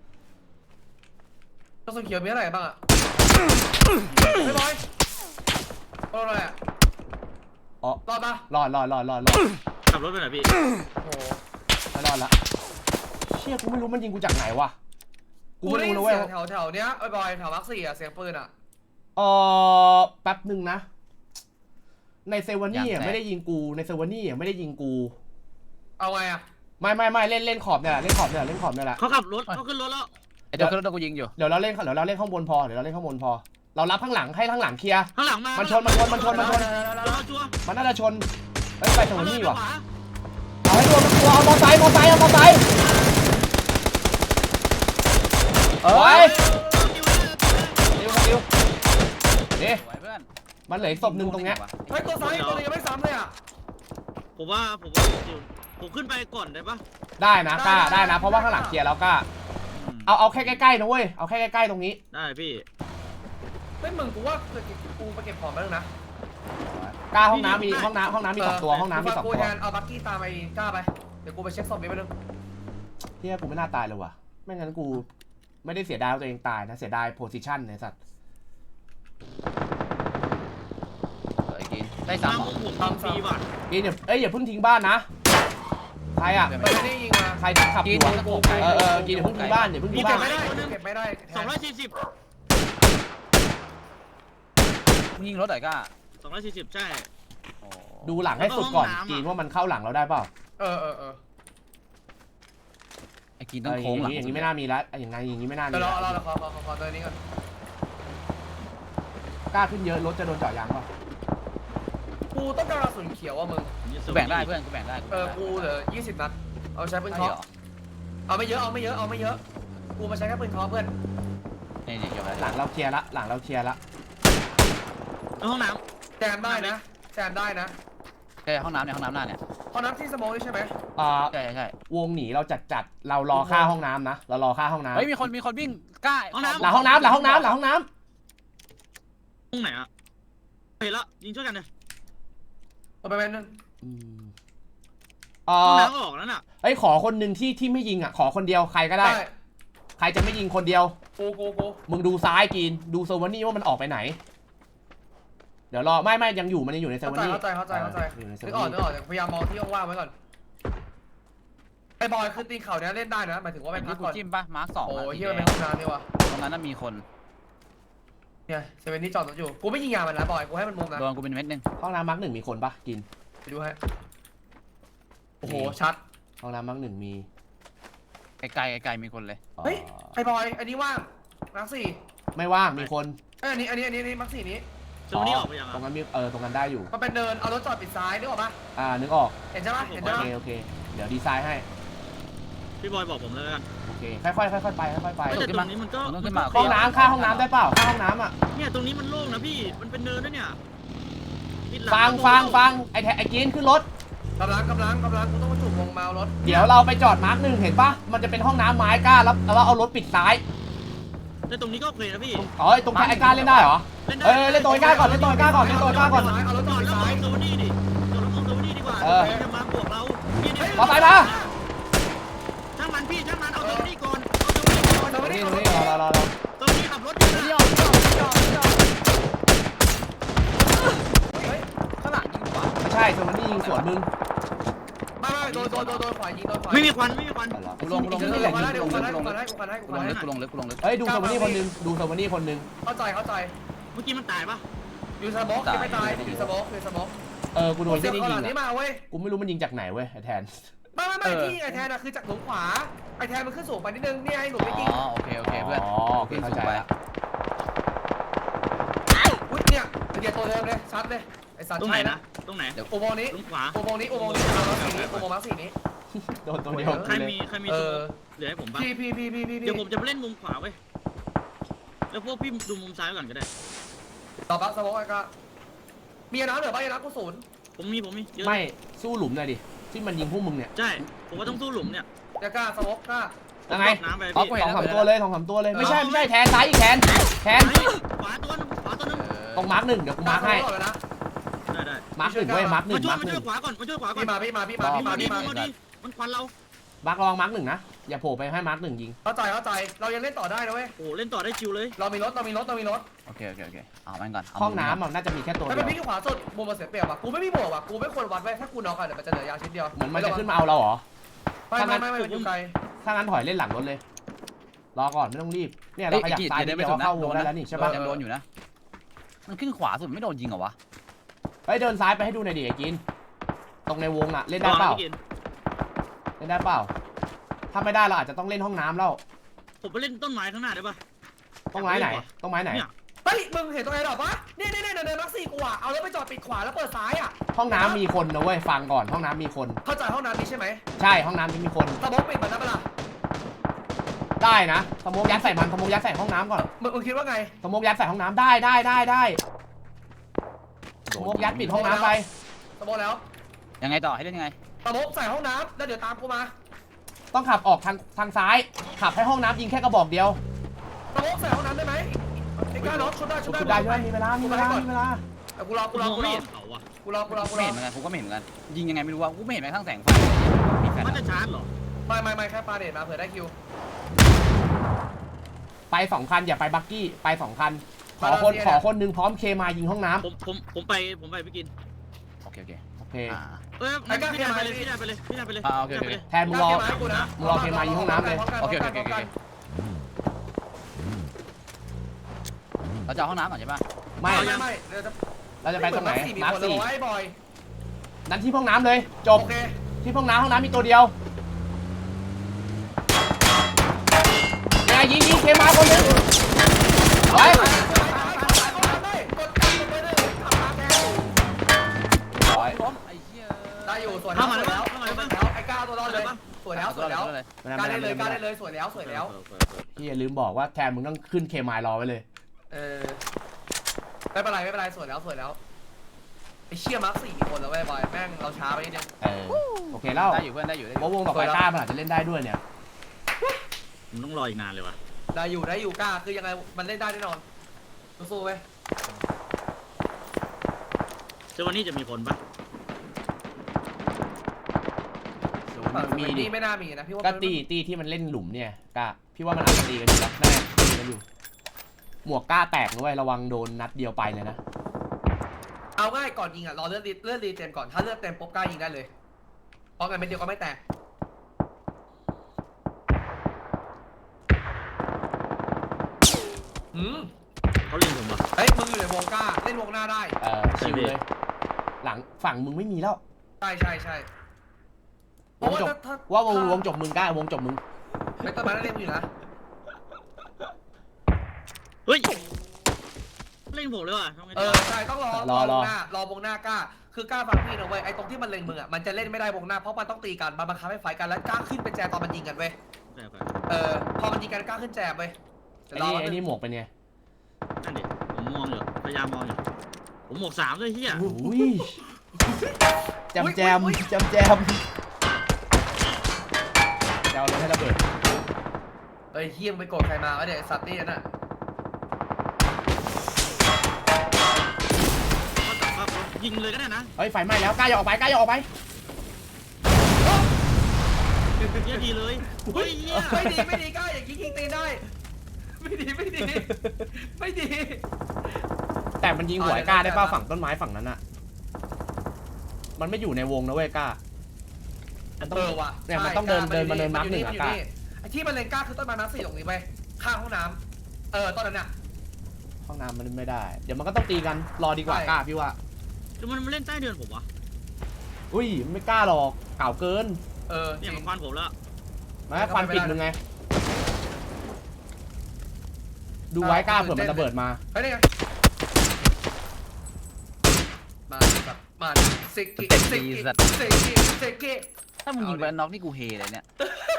Speaker 4: แล้วส่วนเขียวมีอะไรบ้างอ่ะไม่บอยรอดอะไรอ่ะ
Speaker 3: อ๋อ
Speaker 4: รอดปะ
Speaker 3: รอดรอดรอดรอดรอด
Speaker 2: ขับรถไปไหนพี่
Speaker 4: โอ้โห
Speaker 3: ไม่รอดละเชี่ยกูไม่รู้มันยิงกูจากไหนวะกู
Speaker 4: กู
Speaker 3: ไม่
Speaker 4: ได้ยิ
Speaker 3: รู้
Speaker 4: น
Speaker 3: นะเว้
Speaker 4: เสี
Speaker 3: ย
Speaker 4: ยงแถวแถวเนี้ยไอ้บอยแถวมาร์คสี่อ่ะเสียงปืนอ่ะ
Speaker 3: เออแป๊บหนึ่งนะ ในเซวานี่อะไม่ได้ยิงกูในเซวานี่อะไม่ได้ยิงกู
Speaker 4: เอาไงอ่ะ
Speaker 3: ไม่ไม่ไม่เล่นเล่นขอบเนี่ยแหละเล่นขอบเนี่ยแหละเล่นขอบเนี่ยแหละ
Speaker 2: เขาขับรถเขาขึ้นรถแล้ว
Speaker 1: ไอ้เดี๋ยวขึ้นรถกูยิงอยู่
Speaker 3: เดี๋ยวเราเล่นเดี๋ยวเราเล่นข้างบนพอเดี๋ยวเราเล่นข้างบนพอ เรารับข้างหลังให้ข้างหลังเคลียร์
Speaker 2: ข้างหลังมา
Speaker 3: มันชนมันชนมันชนมันชน
Speaker 2: รอชัวร์
Speaker 3: มันน่าจะชนเฮ้ยไปเซวานี่ว่ะ
Speaker 2: เอาเลย
Speaker 3: เอาให้ตัวมันตัวเอามอไซค์มอไซค์เอามอไซค์เอ้ย
Speaker 2: ไปขวา
Speaker 3: ดิวครับดิวเอ๊ะ
Speaker 1: สวยเพื่อน
Speaker 3: มันเหลืออีกศพหนึ่งตรงเนี้ย
Speaker 4: เฮ้ยตัวซ้ายตัวนึงยังไม่ซ้ำเลยอ่ะ
Speaker 2: ผมว่าผมว่าผมขึ้นไปก่อนได้ปะ
Speaker 3: ได้นะกล้าได้นะเพราะว่าข้างหลังเคลียร์แล้วกล้า
Speaker 1: อืม
Speaker 3: เอาเอาแค่ใกล้ๆนะเว้ยเอาแค่ใกล้ๆตรงนี้
Speaker 2: ได้พี่
Speaker 4: ไม่มึงกูว่ากูไปเก็บของมาแล้วนะ
Speaker 3: กล้าห้องน้ำมีห้องน้ำห้องน้ำมีสองตัวห้องน้ำมีสอง
Speaker 4: กู
Speaker 3: ตัว
Speaker 4: แทนเอาบักกี้ตามไปกล้าไปเดี๋ยวกูไปเช็คศพนี้ไปนึง
Speaker 3: เฮียกูไม่น่าตายเลยว่ะไม่งั้นกูไม่ได้เสียดายว่าตัวเองตายนะเสียดายโพสิชันเนี่ยสัตว์
Speaker 1: สวยกินได้สามเหรอ
Speaker 2: ผมทำฟรีว่ะ
Speaker 3: กินอย่าเอ้ยอย่าเพิ่งทิ้งบ้านนะใครอ่ะ
Speaker 4: มันไม่ได้ยิงมา
Speaker 3: ใครที่ขับอยู่อะ
Speaker 1: กิน
Speaker 3: เออเออกินอย่าเพิ่งทิ้งบ้านอย่าเพิ่งทิ้ง
Speaker 4: เก็
Speaker 3: บ้า
Speaker 4: บ
Speaker 3: น
Speaker 4: ไม่ได้เก็บไม่ได้
Speaker 2: สองร้อยสี่สิบ
Speaker 1: มึงยิงรถหน่อยก้า
Speaker 2: สองร้อยสี่สิบใช่
Speaker 1: โอ้
Speaker 3: ดูหลังให้สุดก่อน
Speaker 2: แล้วก็ห้องน้ำอะ
Speaker 3: กินว่ามันเข้าหลังเราได้เปล่า
Speaker 4: เออเออเออ
Speaker 1: ไอ้กิน
Speaker 3: เอ
Speaker 1: ต้อง
Speaker 3: ออ
Speaker 1: โค้งหลัง
Speaker 3: ย่างนี้อย่างนี้ไม่น่ามีแล้วอย่างไงอย่างนี้ไม่น่ามี
Speaker 4: เดี๋ยวรอ
Speaker 3: แล้ว
Speaker 4: รอขอขอขอขอตัวนี้ก่อน
Speaker 3: กล้าขึ้นเยอะรถจะโดนเจาะยางเปล่า
Speaker 4: กูต้องการกระสุนเขียวอ่ะมึง
Speaker 1: กูแบ่งได้เพื่อนกูแบ่งได้
Speaker 4: เออกูเหลือยี่สิบนัดเอาใช้ปืน
Speaker 1: ใช่
Speaker 4: เคาะ
Speaker 1: เหรอ
Speaker 4: เอาไม่เยอะเอาไม่เยอะเอาไม่เยอะกูมาใช้แค่ปืนเคาะเพื่อน
Speaker 1: นี่นี่เกี่ยวกับ
Speaker 3: หลังเราเคลียร์ละหลังเราเคลียร์ละ
Speaker 2: ห้องน้
Speaker 4: แซมได้นะแซมได้นะ
Speaker 1: ใช่ห้องน้ำเนี่ยห้องน้ำหน้าเนี่ย
Speaker 4: พอน้ำที่สโมองนี่ใช่ไหม
Speaker 3: อ่า
Speaker 1: ใช่ใช่
Speaker 3: วงหนีเราจัดจัดเรารอค่าห้องน้ำนะเรารอค่าห้องน้ำ
Speaker 1: เฮ้ยมีคนมีคนวิ่งกล้า
Speaker 3: หลังห้องน้ำหลังห้องน้ำหลังห้องน้
Speaker 2: ำห้องไหนอะเห็นละยิงช่วยกันเลย
Speaker 4: เอาไปเป็นนึง
Speaker 3: ำอืมเอ่
Speaker 2: ห้อง
Speaker 3: อ
Speaker 2: น้ำก็ออกแล้วน่ะ
Speaker 3: เอ้ยขอคนหนึ่งที่ที่ไม่ยิงอ่ะขอคนเดียวใครก็ได้ ใครจะไม่ยิงคนเดียว
Speaker 4: กูกูกู
Speaker 3: มึงดูซ้ายกินดูเซอร์วานี่ว่ามันออกไปไหน เดี๋ยวรอไม่ไม่ยังอยู่มันยังอยู่ในเซอร์
Speaker 4: เข้าว
Speaker 3: า
Speaker 4: ใจ
Speaker 3: นี่
Speaker 4: เข้าใจเข้าใจเข้าใจ
Speaker 3: อยู่ในเซอ
Speaker 4: นึ
Speaker 3: ร์
Speaker 4: กอ
Speaker 3: วา
Speaker 4: อกนึ
Speaker 3: นี่
Speaker 4: กออกแต่พยายามมองที่ว่างๆไว้ก่อนไอ้บอยคือตีนเข่าเนี้ยเล่นได้นะหมายถึงว่าไป
Speaker 1: เป็น
Speaker 4: พั
Speaker 1: ที่
Speaker 4: ก
Speaker 1: กู
Speaker 4: ก่อน
Speaker 1: จิ้มปะมาร์คสอง
Speaker 4: โอ้
Speaker 1: อะ
Speaker 4: ย
Speaker 1: สี
Speaker 4: เฮีย
Speaker 1: แด
Speaker 4: มัน
Speaker 1: ง
Speaker 4: เป็นห้องน้ำนี่วะ
Speaker 1: ตรงนั้นน่ะมีคน
Speaker 4: เนี่ยเซเว่นนี่จอดรถอยู่กูไม่ยิงยามันนะบอยกูให้มันมุมนะ
Speaker 1: โดนกูเป็นเม็ดหนึง
Speaker 3: ห้องน้ำมาร์กหนึ่งมีคนปะกิน
Speaker 4: ไปดูให้โอ้โหชัด
Speaker 3: ห้องน้ำมาร์กหนึ่งมี
Speaker 1: ไกลๆไกลๆมีคนเลย
Speaker 3: อ่อ
Speaker 4: เฮ้ยไอ้บอยอันนี้ว่างมาร์คสี่
Speaker 3: ไม่ว่างมีคน
Speaker 4: เอ้ยอันนี้อันนี้อันนี้อันนี้มาร์คสี่นี้
Speaker 2: ตรงนี้ออกไปยัง
Speaker 3: ตรง
Speaker 2: อะ
Speaker 3: นั้นมีเออตรงนั้นได้อยู่
Speaker 4: มันเป็นเดินเอารถจอดปิดซ้ายนึกออกปะ
Speaker 3: อ่านึกออก
Speaker 4: เห็นใช่ปะเห็น
Speaker 3: โอ
Speaker 4: ใช่ปะ
Speaker 3: เคโอเคเดี๋ยวดีไซน์ให้
Speaker 2: พี่บอยบอกผมเลยกัน
Speaker 3: โอเคค่อยๆค่อยๆไปค่อยๆไป
Speaker 2: แต่ตรงนี้มันก็
Speaker 1: ต้องขึ้นมา
Speaker 3: ห้องน้ำค่าห้องน้ำได้เปล่าค่าห้องน้ำอ่ะ
Speaker 2: เนี่ยตรงนี้มันโล่งนะพี่มันเป็นเนินนะเนี่ย
Speaker 3: ฟังฟังฟังไอ้แทไอ้กินขึ้นรถ
Speaker 4: กำลังกำลังกำลังกูต้องมาจุกวงเมารถ
Speaker 3: เดี๋ยวเราไปจอดมาร์คหนึ่งเห็นปะมันจะเป็นห้องน้ำไม้กล้าแล้วแล้วเอารถปิดซ้าย
Speaker 2: แต่ตรงนี้ก็โอเคนะพี่
Speaker 3: อ๋อตรงไอ้กล้าเล่นได้เหรอ
Speaker 2: เล่นได้
Speaker 3: เออเล่นตัวไอ้กล้าก่อนเล่นตัวไอ้กล้าก่อนเล่นตัวไอ้กล้าก่อน
Speaker 4: เอารถจ
Speaker 2: จ
Speaker 4: อ
Speaker 2: อ
Speaker 4: ด
Speaker 2: ดแล้ว
Speaker 4: ซ้าย
Speaker 2: มองโซนี่ดิจอดแล้วมองโซนี่ดีกว่า
Speaker 3: เออ
Speaker 2: พี่จะมาบวกเราพี่เนี่ย
Speaker 3: มาไปมา
Speaker 2: ช่างมันพี่ช่างมันเอาโซนี่ก่อนเอาโซนี่ก่อน
Speaker 3: ตรงนี้ตรงนี้รอรอรอรอ
Speaker 2: โซนี่ขับรถอยู่นะ
Speaker 1: เดี่ยวเดี่ยวเดี่ยวเดี่ยวเฮ้ยข้างหลังยิงหัว
Speaker 3: ไม่ใช่ตรงนี้ยิงสวนมึง
Speaker 4: ไม่ไม่โดนโดนโดนโดนขวายิงโดนขวา
Speaker 2: ไม่มีควันไม่มีควัน
Speaker 3: อ๋อเหรอ
Speaker 1: กูลงกูลง
Speaker 4: เดี๋ยว
Speaker 1: กู
Speaker 4: เดี๋
Speaker 1: ล
Speaker 4: ยว
Speaker 1: ง
Speaker 4: มาแล้วเดี๋ยว
Speaker 1: กู
Speaker 4: มา
Speaker 1: ล
Speaker 4: แล้ว
Speaker 1: ง
Speaker 4: กูมาแล้วกูมาแล้วกู
Speaker 1: กู
Speaker 4: มา
Speaker 1: ลง
Speaker 4: แล้
Speaker 1: ลึก
Speaker 4: ว
Speaker 1: กูลงลึกกูลงลึก
Speaker 3: เฮ้ยดูสวนี่คนนึงดูสวนี่คนนึง
Speaker 4: เข้าใจเข้าใจ
Speaker 2: เมื่อกี้มันตายปะ
Speaker 4: อยู่สโมกยังไม่ตายอยู่สโมกอยู่สโมก
Speaker 3: เออกูโดน
Speaker 4: เสี
Speaker 3: ที่
Speaker 4: ยบ
Speaker 3: นี่
Speaker 4: ข้างห
Speaker 3: ยิ
Speaker 4: ลั
Speaker 3: ง
Speaker 4: งนี้
Speaker 3: อะ
Speaker 4: มาเว้ย
Speaker 3: กูไม่รู้มันยิงจากไหนเว้ยไอ้แทน
Speaker 4: ไม่ไม่ไม่ที่ไอแทนอะคือจากหลุมขวาไอแทนมันขึ้นสูงไปนิดนึงเนี่ยไอหนุ่มไม่ยิง
Speaker 1: อ๋อโอเคโอเคเพื่อน
Speaker 3: อ๋อโอเคเข้าใจละ
Speaker 4: อุ้ยเนี่ยเดี๋ยวตัวเดิมเลยชัดเลยไอสัตว์
Speaker 2: ตรงไหน
Speaker 4: ใช่
Speaker 2: นะตรงไหน
Speaker 4: อุโมงค์นี้
Speaker 2: ตรงขวา
Speaker 4: อุโมงค์นี้อุโมงค์นี้อุโมงค์มาร์คสีนี้อุโมงค์มาร์คสีนี้
Speaker 3: โดนตัวเดียว
Speaker 2: ใคร
Speaker 3: เลย
Speaker 2: มีใครมี
Speaker 4: เอ
Speaker 2: ตัว
Speaker 4: อ
Speaker 2: เหลือให้ผมปะ
Speaker 4: พี่พี่พี่พี่พี่
Speaker 2: เดี๋ยวผมจะไปเล่นมุมขวาเว้ยแล้วพวกพี่ดูมุมซ้ายก่อนก็ได้
Speaker 4: ต่อบักสโมกไอ้ก็มีน้ำเหลือป่ะไอ้น้ำกูศูนย์
Speaker 2: ผมมีผมมีเยอะ
Speaker 3: ไม่สู้หลุมหน่อยดิที่มันยิงพวกมึงเนี่ย
Speaker 2: ใช่ผมว่าต้องสู้หลุมเนี่ย
Speaker 4: จะกล้าสโมกกล้า
Speaker 3: ยังไง
Speaker 2: ตกน้ำไป
Speaker 3: สอ
Speaker 2: พี่
Speaker 3: งสามตัวเลยสองสามตัวเลยไม่ใช่ไม่ใช่แทนซ้ายอีกแทนแทน
Speaker 2: ขวาตัวนึงขวาตัวนึง
Speaker 3: ตรงมาร์คหนึ่งเดี๋ยวกูมาร์คให้
Speaker 4: เลยนะ
Speaker 2: ได้ได้
Speaker 3: มาร์คหนึ่งเว้ยมาร์คหนึ่
Speaker 2: มาง ช่วย
Speaker 3: มาร์ค
Speaker 2: มา
Speaker 3: ห
Speaker 2: ช่
Speaker 3: นึ่
Speaker 2: วย
Speaker 3: ง
Speaker 2: ขวาก่อนมาช่วยขวาก่อน
Speaker 4: พี่มาพี่มาพี่มาพี่มา
Speaker 2: มา
Speaker 4: พี่
Speaker 2: ดิ
Speaker 4: มา
Speaker 2: มาดิมันควันเรา
Speaker 3: มาร์คระวังมาร์คหนึ่งนะอย่าโผล่ไปให้มาร์คหนึ่งยิง
Speaker 4: เข้าใจเข้าใจเรายังเล่นต่อได้นะเว้ย
Speaker 2: โอ้เล่นต่อได้ชิวเลย
Speaker 4: เรามีรถเรามีรถเรามีรถ
Speaker 1: โอเคโอเคโอเคเอามันก่อน
Speaker 3: ห้องน้ำอ่ะน่าจะมีแค่ตัว
Speaker 4: ถ้า
Speaker 3: เดี
Speaker 4: เป็
Speaker 3: ยว
Speaker 4: นพี่ขวาสุดมุมมันเสียเปรียบว่ะกูไม่มีบวกว่ะกูไม่ควรวัดไว้ถ้ากูน็อกอะเดี๋ยวมันจะเหลือยาชิ้นเดียว
Speaker 3: เหมือนมันจะขึ้นมาเอาเราเหรอ
Speaker 4: ไม่ไม่ไม่ไม่มันอยู่ไกล
Speaker 3: ถ้างั้นถอยเล่นหลังรถเลยรอก่อนไม่ต้องรีบเนี่ยเราขยับซ้ายนิดเดียวเข้าวงได้แล้วนี่ใช่ป่ะ
Speaker 1: ยังโดนอยู่นะมันขึ้นขวาสุดไม่โดนยิงเหรอวะ
Speaker 3: เฮ้ยเดินซ้ายไปให้ดูหน่อยดิไอ้กินตรงในวงอ่ะเล่นได้เปล่าเล่นได้เปล่าถ้าไม่ได้เราอาจจะต้องเล่นห้องน้ำแล้ว
Speaker 2: ผมไปเล่นต้นไม้ข้างหน้าได้ปะ
Speaker 3: ต้องไม้ไหนต้องไม้ไหน
Speaker 2: เนี่ย
Speaker 4: เฮ้ยมึงเห็นตรงไหนหรอปะเนี่ยเนี่ยเนี่ยเดินมักซี่กูอ่ะเอารถไปจอดปิดขวาแล้วเปิดซ้ายอ่ะ
Speaker 3: ห้องน้ำมีคนนะเว้ยฟังก่อนห้องน้ำมีคน
Speaker 4: เข้าใจห้องน้ำนี้ใช่ไหม
Speaker 3: ใช่ห้องน้ำนี้มีคน
Speaker 4: สโมกปิดมันนะเปล่า
Speaker 3: ได้นะสโมกยัดใส่มันสโมกยัดใส่ห้องน้ำก่อน
Speaker 4: มึงมึงคิดว่าไง
Speaker 3: สโมกยัดใส่ห้องน้ำได้ได้ได้ได้สโมกยัดปิดห้องน้ำไป
Speaker 4: สโมกแล้ว
Speaker 1: ยังไงต่อให้เล่นยังไง
Speaker 4: สโมกใส่ห้องน้ำแล้วเดี๋ยวตามกูมา
Speaker 3: ต้องขับออกทางทางซ้าย ขับให้ห้องน้ำยิงแค่กระบอกเดียว
Speaker 4: สโมกใส่ห้องน้ำได้ไหมไอ้ก้าน็อกชุดได้ชุด
Speaker 3: ชุด
Speaker 4: ได้
Speaker 3: ได้ใช่ไหมมีเวลามีเวลามีเวลา
Speaker 4: แต่กูรอ
Speaker 2: กู
Speaker 4: กูรอ
Speaker 2: มอง
Speaker 4: กูร
Speaker 2: ไม่
Speaker 4: อ
Speaker 2: เห็นเขาอะ
Speaker 4: กูรอกูรอกู
Speaker 1: กู
Speaker 4: ร
Speaker 1: ไม่
Speaker 4: อ
Speaker 1: เห็นเหมือนกันกูก็ไม่เห็นเหมือนกันยิงยังไงไม่รู้ว่ากูไม่เห็นแม้กระทั่งแสงไฟมีแฟน
Speaker 2: มันจะชาร์จเหรอ
Speaker 4: ไม่ไม่ไม่แค่ปาเดทมาเผื่อได้คิว
Speaker 3: ไปสองคันอย่าไปบักกี้ไปสองคันขอคนขอคนหนึงพร้อมเคมายิงห้องน้ำ
Speaker 2: ผมผมผมไปผมไปพี่กิน
Speaker 1: โอเคโอเค
Speaker 3: โอเค
Speaker 1: อ่า
Speaker 2: เอ้ยพี่ได้ไปเลยพี่ได้ไปเลยพี่ได้ไปเลย
Speaker 1: อ่าโอเคโอเค
Speaker 3: แทนมึงรอ
Speaker 4: กูนะ
Speaker 3: มึงรอเคมายิงห้องน้ำเลย
Speaker 1: โอเคโอเคโอเคโอเคเราจะเอาห้องน้ำก่อนใช่ปะ
Speaker 3: ไม่
Speaker 4: ไม่ไม่เดี๋ยวจะ
Speaker 3: เราจะไปตรงไหน
Speaker 4: มี
Speaker 3: มาร์ค
Speaker 4: คนเลย
Speaker 3: สี่
Speaker 4: ไว้บอย
Speaker 3: นั้นที่ห้องน้ำเลยจบ
Speaker 4: โอเค
Speaker 3: ที่ห้องน้ำห้องน้ำมีตัวเดียวแกยิงยิงเคมาคนหนึงไป
Speaker 1: ร้อยล้มไอ้เหี้ย
Speaker 4: ได้อยู่สวยแล้วสวยแล้วแล้วไอ้ก้าตัวรอดเลยสวยแล้วสวยแล้ว
Speaker 1: เลย
Speaker 4: การได้เลยการได้เลยสวยแล้วสวยแล้ว
Speaker 3: พี่อย่าลืมบอกว่าแทนมึงต้องขึ้นเคมายรอไว้เลย
Speaker 4: เออไม่เป็นไรไม่เป็นไรสวยแล้วสวยแล้วไอ้เชี่ยมาร์คสี่คนแล้วเว้ยบอยแม่งเราช้าไปนิดนึง
Speaker 3: เออโอเคแล้ว
Speaker 1: ได้อยู่เพื่อนได้อยู่ได้อยู่
Speaker 3: ว่าวงต่อไปกล้ามันอาจจะเล่นได้ด้วยเนี่ย
Speaker 2: ผมต้องรออีกนานเลยว่ะ
Speaker 4: ได้อยู่ได้อยู่กล้าคือยังไงมันเล่นได้แน่นอนสู้ๆเว้ย
Speaker 2: เจ้าวันนี้จะมีคนปะ
Speaker 3: มีดิ
Speaker 4: ไม่น่ามีนะพี่ว่า
Speaker 3: ก็ตีตีที่มันเล่นหลุมเนี่ยกล้าพี่ว่ามันอาจจะตีกันอยู่แล้วแน่ตีกันอยู่หมวกกล้าแตกด้วยระวังโดนนัดเดียวไปเลยนะ
Speaker 4: เอาง่ายก่อนยิงอ่ะรอเลือดเลือดรีเต็มก่อนถ้าเลือดเต็มปุ๊บกล้ายิงได้เลยเพราะงั้นเม็ดเดียวก็ไม่แตกอืม
Speaker 2: เขาเล่นผมปะ
Speaker 4: เฮ้ยมึงอยู่ในวงกล้าเล่นวงหน้าได้
Speaker 3: เออชิวเลย หลังฝั่งมึงไม่มีแล้ว
Speaker 4: ใช่ใช่ใช่เพ
Speaker 3: ว
Speaker 4: ราะ
Speaker 3: ง
Speaker 4: ว่า
Speaker 3: จบ
Speaker 4: ถ้าถ้า
Speaker 3: ว่าวงวงจบมึงกล้าวงจบมึง
Speaker 4: ไม่ต้นไม้นั่นเล่นอยู่นะ
Speaker 2: เฮ้ยเล่นผมเลยว่ะทำไง
Speaker 4: เอ
Speaker 2: ดี
Speaker 4: อ
Speaker 2: วะ
Speaker 4: ใช่ต้องรอรอวงหน้ารอวงหน้ากล้า คือกล้าฟังพี่นะเว้ยไอ้ตรงที่มันเล็งมึงอ่ะมันจะเล่นไม่ได้วงหน้าเพราะมันต้องตีกันมันบังคับให้ไฟกันแล้วกล้าขึ้นเป็นแจตอนมันยิงกันเว้ย
Speaker 2: โอเคโอเค
Speaker 4: เออพอมันยิงกันกล้าขึ้นแจเว้ย
Speaker 3: ไอ้นี่ไอ้นี่หมวกเป็นไง
Speaker 2: นั่นดิผมมองอยู่พยายามมองอยู่ผมหมวกสามด้วยเฮีย
Speaker 3: อุ้ยแจมแจมแจมแจมจะเอารถให้ระเบิด
Speaker 4: เฮ้ยเฮียมงไปโกรธใครมาวะเนี่ยไอ้สัตว์นี่น่ะ
Speaker 2: ยิงเลยก็ได้นะ
Speaker 3: เฮ้ยไฟไหม้แล้วกล้าอย่าออกไปกล้าอย่าออกไป
Speaker 2: เยี่ยดีเลยเฮ้ยเยี่ย
Speaker 4: ไม่ดีไม่ดีกล้าอย่างนี้ยิงตีนได้ ไม่ดีไม่ดีไม่ดี
Speaker 3: แต่มันยิงหัวไอ้กล้าได้ป่ะฝั่งต้นไม้ฝั่งนั้นอะมันไม่อยู่ในวงนะเว้ยกล้ามันต้อง
Speaker 4: เออว่ะ
Speaker 3: เนี่ยมันต้องเดินเดินมาเดินนับหนึ่งอะกล้า
Speaker 4: ไอ้ที่มันเลนกล้าคือต้นไม้น้ำสี่ตรงนี้ไปข้างห้องน้ำเออต้นนั้นน่ะ
Speaker 3: ห้องน้ำมันไม่ได้ เดี๋ยวมันก็ต้องตีกันรอดีกว่ากล้าพี่ว่า
Speaker 2: แล้วมันมาเล่นใต้เดือนผมวะ
Speaker 3: อุ้ยไม่กล้าหรอกเก่าเกิน
Speaker 4: เออจ
Speaker 2: เนี่
Speaker 4: ริ
Speaker 2: ย
Speaker 4: ง
Speaker 2: มันควันผมแล้ว
Speaker 3: มาให้ฟันปิดมึงไง ดูไว้กล้าเผื่อมันระเบิดมา
Speaker 4: เฮ้ยนี่ไงมาแบบมาเซกิเซกิเซกิเซกิ
Speaker 1: ถ้ามึงยิงไปน็อกนี่กูเฮเลยเนี่ย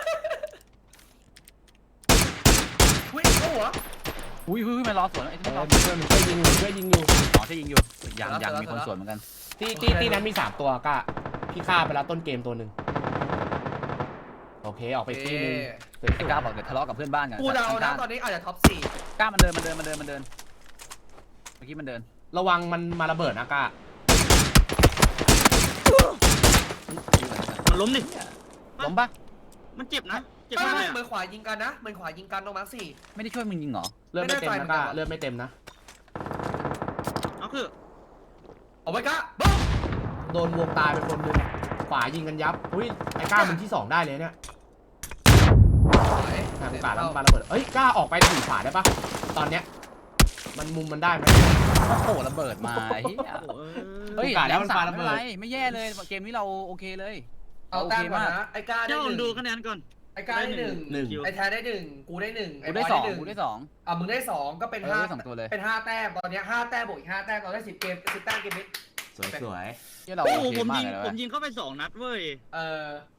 Speaker 4: วิ่งเข้าหัว
Speaker 1: อุ้ยอุ้ยมันรอสวนไอ้
Speaker 3: เอ
Speaker 1: ที่
Speaker 3: อ
Speaker 1: รอ
Speaker 3: มันช่วยมันช่วยยิงอยู่ช่วยยิงอยู่
Speaker 1: อ๋อที่ยิงอยู่ยังยังมีคนสวนเหมือนกัน
Speaker 3: ตีตีตีนั้นมีสามตัวกล้าพี่ฆ่าไปแล้วต้นเกมตัวหนึ่งโอเคออกไปตีหนึง
Speaker 1: ไอ้กล้าบอกเดี๋ยวทะเลาะกับเพื่อนบ้านกัน
Speaker 4: กูเดานะ
Speaker 1: ข้าง
Speaker 4: ตอนนี้อาจจะท็อปสี่
Speaker 1: ๆกล้ามันเดินมันเดินมันเดินมันเดินเมื่อกี้มันเดิน
Speaker 3: ระวังมันมาระเบิดนะกล้า
Speaker 2: มันล้มดิ
Speaker 1: ล้มปะ
Speaker 2: มันเจ็บนะเจ็บ
Speaker 4: ไม่
Speaker 2: มากเล
Speaker 4: ไม่
Speaker 2: ย
Speaker 4: เมือขวายิงกันนะเมือขวายิงกันตรงมาร์คสี่
Speaker 1: ไม่ได้ช่วยมึงยิงเหรอ
Speaker 3: เลือดไม่เต็ม
Speaker 4: ไม่
Speaker 3: นะ
Speaker 4: ได้
Speaker 3: กล้า
Speaker 4: ไฟเหมือนกัน
Speaker 3: เลือดไม่เต็มนะ
Speaker 2: เอาคือ
Speaker 4: เอาไว้กะบึ้ม
Speaker 3: โดนวงตายไปคนหนึงขวายิงกันยับอุ้ยไอ้กล้ามึงที่สองได้เลยเนี่ย ทางโอกาสแล้วมันปาระเบิดเอ้ยกล้าออกไปถีบขวาได้ปะตอนเนี้ยมันมุมมันได้ไหม
Speaker 1: โอ้โหระเบิดมาไอ้เหี้ย
Speaker 2: โอ้โห
Speaker 1: เฮ้ย
Speaker 3: โอกาสแล้วมัน
Speaker 1: สา
Speaker 3: ปาม ระ
Speaker 1: ไม่
Speaker 3: เบิ
Speaker 1: เป็น
Speaker 3: ด
Speaker 1: ไรไม่แย่เลยเกมนี้เราโอเคเลย
Speaker 4: เอา
Speaker 1: โอ
Speaker 4: แต้
Speaker 1: เค
Speaker 4: มก่อน
Speaker 1: มาก
Speaker 4: นะไอ้ก้าได้
Speaker 2: เจ้า
Speaker 4: หนึ่ง
Speaker 2: ดูคะแนนก่อน
Speaker 4: ไอ้ก้าได้หนึ่ง
Speaker 3: หนึ่ง
Speaker 4: ไอ้แทนได้หนึ่งกูได้หนึ่ง
Speaker 1: กูได้
Speaker 4: บย
Speaker 1: สอง
Speaker 4: หนึ่
Speaker 1: กูได้สอง
Speaker 4: อ่ะมึงได้สองก็เป็น
Speaker 1: เออ
Speaker 4: ห้า
Speaker 1: ได้สองตัวเลย
Speaker 4: เป็นห้าแต้มตอนเนี้ยห้าแต้มบวกอีกห้าแต้มตอนได้สิบเกมสิบแต้มเกมนี้
Speaker 3: สวยสวย
Speaker 1: ที่เรา
Speaker 2: โอ้
Speaker 1: โอ
Speaker 2: โห
Speaker 1: เค
Speaker 2: ผม
Speaker 1: มาก
Speaker 2: ยิง
Speaker 1: เลย
Speaker 2: ผ
Speaker 1: เว้
Speaker 2: ม
Speaker 1: ย
Speaker 2: ยิงเข้าไปสองนัดเว้ย
Speaker 4: เออ